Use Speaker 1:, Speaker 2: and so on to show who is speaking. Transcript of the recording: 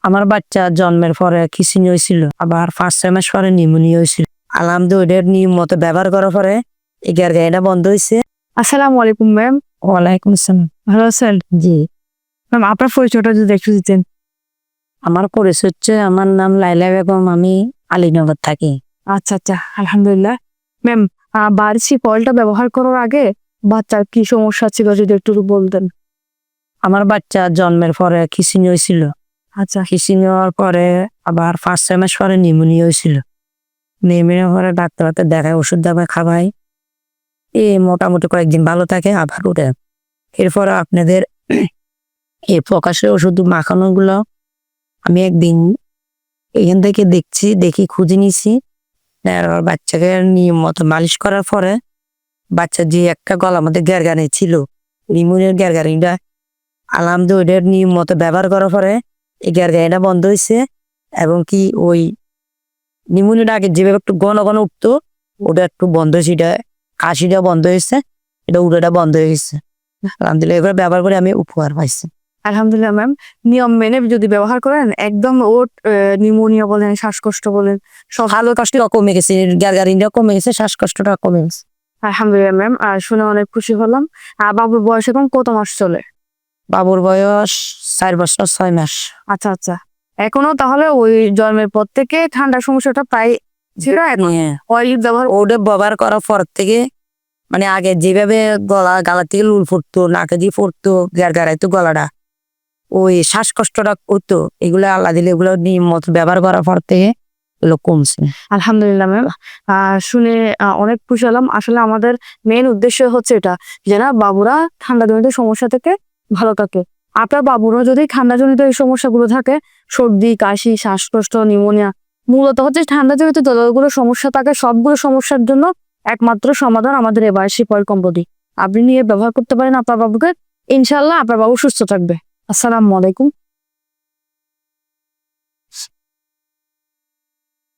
Speaker 1: আমার বাচ্চা জন্মের পরে খিঁচুনি হয়েছিল, আবার 5-6 মাস পরে নিউমোনিয়া হয়েছিল। আলহামদুলিল্লাহ ওইটার নিয়ম মতো ব্যবহার করার পরে এই গাড়িটা বন্ধ হয়েছে।
Speaker 2: আসসালামু আলাইকুম ম্যাম।
Speaker 1: ওয়ালাইকুম আসসালাম।
Speaker 2: ভালো আছেন?
Speaker 1: জি,
Speaker 2: ম্যাম আপনার পরিচয়টা যদি একটু দিতেন।
Speaker 1: আমার পরিচয় হচ্ছে, আমার নাম লাইলা বেগম, আমি আলীনগর থাকি।
Speaker 2: আচ্ছা আচ্ছা, আলহামদুলিল্লাহ। ম্যাম, বার্সি কয়েলটা ব্যবহার করার আগে বাচ্চার কি সমস্যা ছিল যদি একটু বলতেন।
Speaker 1: আমার বাচ্চা জন্মের পরে খিঁচুনি হয়েছিল।
Speaker 2: আচ্ছা
Speaker 1: খিঁচুনি হওয়ার পরে আবার 5-6 মাস পরে নিউমোনিয়া হয়েছিল। নিউমোনিয়া পরে ডাক্তার দেখায়, ওষুধ দাবায় খাওয়াই, মোটামুটি কয়েকদিন ভালো থাকে, আবার উঠে। এরপরে আপনাদের এই প্রকাশের ওষুধ মাখানো গুলো আমি একদিন এখান থেকে দেখি খুঁজে নিছি। আর বাচ্চাকে নিয়ম মতো মালিশ করার পরে বাচ্চার যে একটা গলার মধ্যে গ্যারগানি ছিল, নিউমোনিয়ার গ্যারগানিটা আলহামদুলিল্লাহ ওইটার নিয়ম মতো ব্যবহার করার পরে এই গ্যারগানিটা বন্ধ হয়েছে। এবং কি ওই নিউমোনিয়াটা আগে যেভাবে একটু ঘন ঘন উঠতো, ওটা একটু বন্ধ হয়েছে। এটা কাশিটা বন্ধ হয়েছে, এটা উড়াটা বন্ধ হয়ে গেছে। আলহামদুলিল্লাহ এগুলো ব্যবহার করে আমি উপকার পাইছি।
Speaker 2: আলহামদুলিল্লাহ ম্যাম, নিয়ম মেনে যদি ব্যবহার করেন একদম ওর নিউমোনিয়া বলেন, শ্বাসকষ্ট বলেন, সব
Speaker 1: ভালো কষ্টটা কমে গেছে, গ্যারগানিটা কমে গেছে, শ্বাসকষ্টটা কমে গেছে।
Speaker 2: আলহামদুলিল্লাহ ম্যাম। শুনে অনেক খুশি হলাম। বাবুর বয়স এখন কত মাস চলে?
Speaker 1: বাবুর বয়স 4 বছর 6 মাস।
Speaker 2: আচ্ছা আচ্ছা, এখনো তাহলে ওই জন্মের পর থেকে ঠান্ডার সমস্যাটা প্রায় ছিল।
Speaker 1: হ্যাঁ,
Speaker 2: অয়েল ব্যবহার
Speaker 1: ওটা ব্যবহার করার পর থেকে মানে আগে যেভাবে গালা থেকে লুল ফুটতো, নাকে দিয়ে ফুটতো, গাড়াইতো গলাটা, ওই শ্বাসকষ্টটা হতো, এগুলো আল্লাহ দিলে এগুলো নিয়ম মতো ব্যবহার করার পর থেকে এগুলো কমছে।
Speaker 2: আলহামদুলিল্লাহ ম্যাম। শুনে অনেক খুশি হলাম। আসলে আমাদের মেন উদ্দেশ্য হচ্ছে এটা, যে না বাবুরা ঠান্ডাজনিত সমস্যা থেকে ভালো থাকে। আপনার বাবুরও যদি ঠান্ডাজনিত এই সমস্যাগুলো থাকে, সর্দি, কাশি, শ্বাসকষ্ট, নিউমোনিয়া, মূলত হচ্ছে ঠান্ডাজনিত যতগুলো সমস্যা থাকে সবগুলো সমস্যার জন্য একমাত্র সমাধান আমাদের এই বার্সি কয়েল কোম্পানি। আপনি নিয়ে ব্যবহার করতে পারেন আপনার বাবুকে, ইনশাল্লাহ আপনার বাবু সুস্থ থাকবে। আসসালামু আলাইকুম।